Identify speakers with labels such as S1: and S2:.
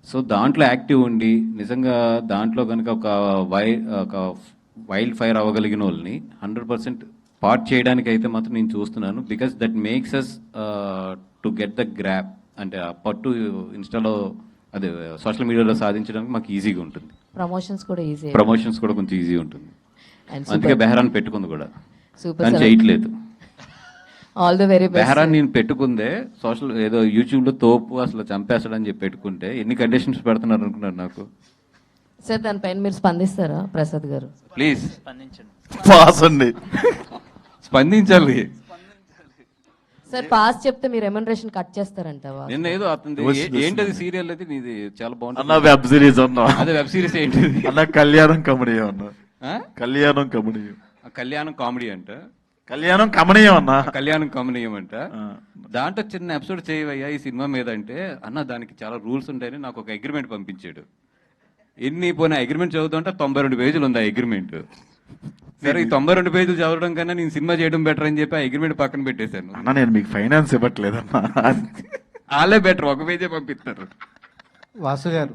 S1: So దాంట్లో active ఉండి నిజంగా దాంట్లో కనుక ఒక వైల్డ్ ఫైర్ అవ్వగలిగిన వాళ్ళని 100% పార్ట్ చేయడానికి అయితే మాత్రం నేను చూస్తున్నాను. Because that makes us to get the grab, అంటే ఆ పట్టు ఇన్స్టాలో అదే సోషల్ మీడియాలో సాధించడానికి మాకు ఈజీగా ఉంటుంది.
S2: ప్రమోషన్స్ కూడా
S1: కొంచెం ఈజీ ఉంటుంది.
S2: And
S1: అందుకే బెహరాన్ పెట్టుకుంది కూడా,
S2: సూపర్
S1: కానీ చేయట్లేదు.
S2: All the very best.
S1: బెహరాన్ నేను పెట్టుకుందే సోషల్ ఏదో యూట్యూబ్ లో తోపు అసలు చంపేస్తాడని చెప్పి పెట్టుకుంటే ఎన్ని కండిషన్స్ పెడుతున్నారు అనుకున్నారు నాకు.
S2: సార్ దానిపైన మీరు స్పందిస్తారా ప్రసాద్ గారు?
S1: ప్లీజ్
S3: పాస్ అండి.
S1: స్పందించాలి.
S2: సార్ పాస్ చెప్తే మీరు రెమ్యునరేషన్ కట్ చేస్తారంటావా?
S1: నిన్న ఏదో అతను ఏంటది సీరియల్ అయితే నీది చాలా
S3: అన్న
S1: బాగుంటుంది.
S3: వెబ్ సిరీస్ అన్నా,
S1: అదే వెబ్ సిరీస్ ఏంటిది?
S3: అన్న కళ్యాణం కమనీయం అన్న,
S1: ఆ?
S3: కళ్యాణం కమనీయం,
S1: కళ్యాణం కామెడీ అంట,
S3: కళ్యాణం కమనీయం అన్న.
S1: కళ్యాణం కమనీయం అంట.
S3: ఆ.
S1: దాంట్లో చిన్న ఎపిసోడ్ చేయవయ్యా ఈ సినిమా మీద అంటే, అన్న దానికి చాలా రూల్స్ ఉంటాయని నాకు ఒక అగ్రిమెంట్ పంపించాడు. ఎన్ని పోయిన అగ్రిమెంట్ చదువుతుంటే 92 పేజీలు ఉంది ఆ అగ్రిమెంట్. సరే ఈ 92 పేజీలు చదవడం కన్నా నేను సినిమా చేయడం బెటర్ అని చెప్పి ఆ అగ్రిమెంట్ పక్కన పెట్టేశాను.
S3: అన్న నేను మీకు ఫైనాన్స్ ఇవ్వట్లేదన్నా.
S1: వాళ్ళే బెటర్, ఒక పేజే పంపిస్తారు.
S4: వాసు గారు